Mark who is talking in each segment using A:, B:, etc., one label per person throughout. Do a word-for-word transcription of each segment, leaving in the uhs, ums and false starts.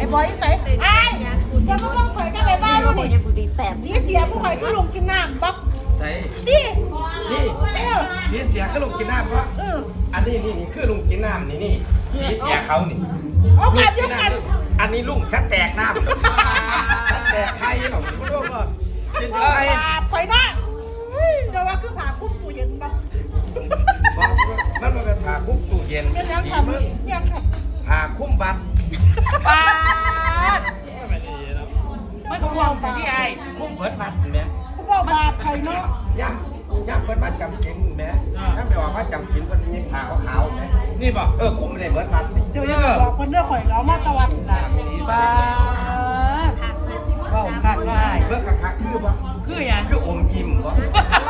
A: บอยใส่ไอ้จะมาลงข่อยก็ไปบ้านดูดิสีเสียผู้ข่อยก็ลงกินน้ำบัก
B: ใส่
A: นี่
B: นี่สีเสียคือลุงกินน้ำเพราะอันนี้นี่นี่คือลุงกินน้ำนี่นี่สีเสียเขานี่
A: เอากันเดียวกัน
B: อันนี้ลุงสแตกน้ำสแตกไข่หรอกคุณลูกก็กินไข่
A: ข่อยน้อยเดี๋ยวว่าคือผ่าคุ้มตู้เย็นบัก
B: มันมาเป็นผ่าคุ้มตู้เย็น
A: ยังทำยังทำ
B: ผ่าคุ้มบัตร
C: ปาดไม่ต้องห่วงแต่พี่ไอ้
B: คุ้มเปิดบัตรเห็นไหม
A: ผู้บอกบาปข่อยเนาะ
B: ย่ำย่ำเปิดบัตรจำศีลเห็นไหมย่ำไปว่าว่าจำศีลมันมีผ่าขาวๆไหมนี่ป่ะเออคุ้มเลยเปิดบัตร
A: เดี๋ยวยังบอกคนเรื่องข่อยเรามาตะวันนะ
C: ปาดว้าวคักได้
B: เบิกคักๆคือป่ะ
C: คืออย่าง
B: คืออมยิ้มป่ะ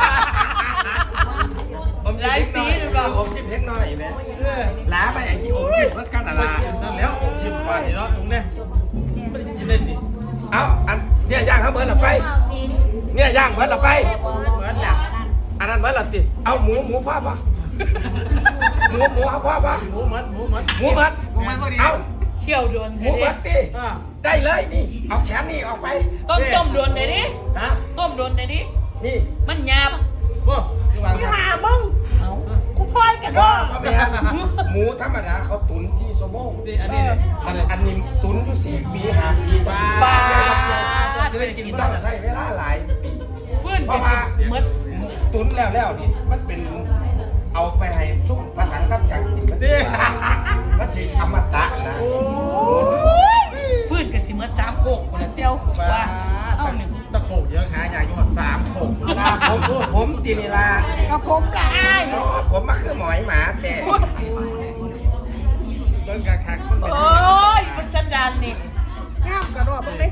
C: ผมไล่ซีหรือเปล่า
B: อมยิ้มเล็กน้อยไหมหลาไปไอ้ที่อมยิ้มเพื่อกันอะไร
D: นั่นแล้วผมยิ้มปานนี่เนาะตรงเนี้ยไม่ได้ยินเล่นดิ
B: เอาอันเนี่ยย่างเขาเบิร์ดหลับไปเนี่ยย่างเบิร์ดหลับไป
C: เหมือนหลับ
B: อันนั้นเบิร์ดหลับสิเอาหมูหมูพ่อป่ะหมูหมูเอาพ่อป่ะ
D: หมูมัดหมูมัด
B: หมูเบิร์ดเอา
C: เชี่ยวดวน
B: ห
C: เธ
B: มู
C: อดิ
B: เบิร์ดดิได้เลยนี่เอาแขนนี่ออกไป
C: ต้มต้มดวนเธอดิ
B: ฮะ
C: ต้มดวนเธอดิ
B: นี่
C: มันหยาบ
D: โอ้คือว่า
A: พี่หามึง
C: เอา
A: กูพ่อยกัน
B: ว่า
A: เนาะ
B: ก็ไม่ฮะหมูธรรมดาเขาตุ๋นสี่ชั่วโมง
D: นี่อันนี้เลย
B: อันอันนี้ตุ๋นอยู่สี่ปีห้าปีกว่า
C: ปาด
D: จะได้กิน
B: ต้องใช้เวลาหลายปี
C: ฟื้นเป็นเมื่อ
B: ตุ๋นแล้วแล้วนี่มันเป็นเอาไปให้ชุ่มผนังซับจังกินมันดิมันสิอมตะนะ
C: ฟื้นกับสิเมื่อสามโคกคนละเจ้าว่าเอาหนึ่ง
D: ตะโขกเยอะหายาอยู่สามโขก
B: ลาผมผมตีนีลา
A: กับผมได้
B: อ๋อผมมาคือหมอยหมาแท้
D: เบิ้งกะคักมันเป็น
C: โอ้ยมันสันดานนี่
A: งามกระโดดมึงเลย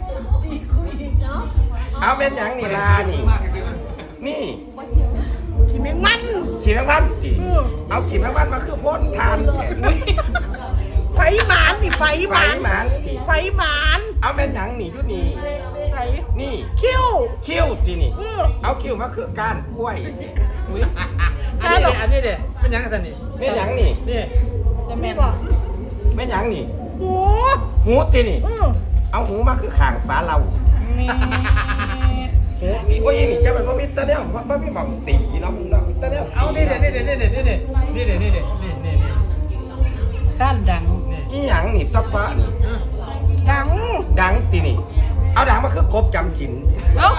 B: เอาเป็นอย่างนีลานี่ นี่
A: ที่แมงมัน
B: ขี่แมงวันตีเอาขี่แมงวันมาคือพ่นทานแท้อุ้ย
A: ไฟหมานนี่ไฟห
B: ไฟ
A: มาน
B: หมานตี
A: ไฟหมาน
B: เอาเป็นอย่างนี่อยู่นี่
A: ไฟ
B: นี่
A: คิ้ว
B: คิ้วตีนี่
A: เออ
B: เอาคิ้วมาคือก้านกล้วย
C: อุ้ย
D: อันนี้เด็อันนี้เด็เป็นยังไงสันนี่
B: เป็นอย่างนี่
D: นี่
C: จะแม่
A: นี่
C: น
A: บอก
B: เป็นอย่างนี่
A: หู
B: หูตีนี่
A: เออ
B: เอาหูมาคือข่างฟ้าเรา
C: มี
B: หูตีโอ้ยนี่จะเป็นว่ามิตรเนี่ยว่ามีหม่อมตีเนาะมึงเนาะมิตรเนี่ย
D: เอานี่เด็นี่เด็นี่เด็นี่เด็นี่เด็นี่เด็นี่นี่นี่
C: สั้นดัง
D: นี่
B: อีหยังนี่ตะปะนี่
A: ดัง
B: ดังตีนี่ เอาดังมาคือกบจำศีล
C: เอ้า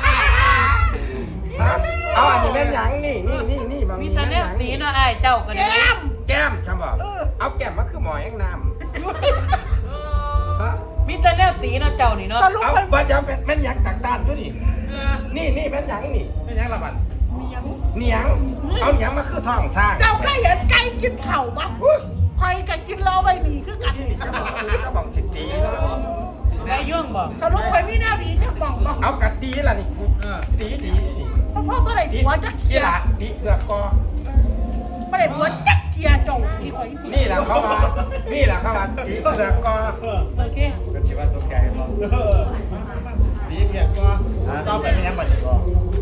B: ฮะเอาอันนี้แม่นหยังนี่นี่นี่นี่บาง
C: มี
B: นี่
C: แต่
B: แม่น
C: แน
B: ห
C: ว
B: ยัง
C: ตี
B: นี่
C: เนาะไอ้เจ้ากัน
A: แก้ม
B: แก้มใช่ป่ะเอาแก้มมาคือหมอแองน้ำฮะ
C: มีแต่แนวตีเนาะเจ้านี่เนาะ
A: สรุป
B: เอา
A: เป็น
B: บัดยังเป็นแม่นหยังตักด้านด้วยนี่นี่นี่แม่นหยังนี่
D: เป็นยังละบัน
A: เมียง
B: เหนียงเอาเหนียงมาคือท้องสร้าง
A: เจ้าเคยเห็นไก่กินเข่าปะ
B: อุ้ย
A: ใครกันกินเราไปหนีคือกัน
B: นี่จะบอกจะบอกสิตีเนาะ
C: ได้ย่วงบอก
A: สรุปไปไม่น่าดีจะบอกบอก
B: เอากัดตีล่ะนี่
D: เออ
B: ตีตีนี่
A: เพราะพ่อเมื่อไหร่
B: ตี
A: หัวจะเคี
B: ตี
A: ย
B: ละตีเปลือกกอ
A: เมื่อไหร่หัวจะเคียจงอีกคน
B: นี่แหละเขามานี่แหละเขามาตีเปลือกกอ
C: โอเค
D: ก็ชิว่าตกใจมั้งดีเพียงก็ต่อไปเป็นยังบันก็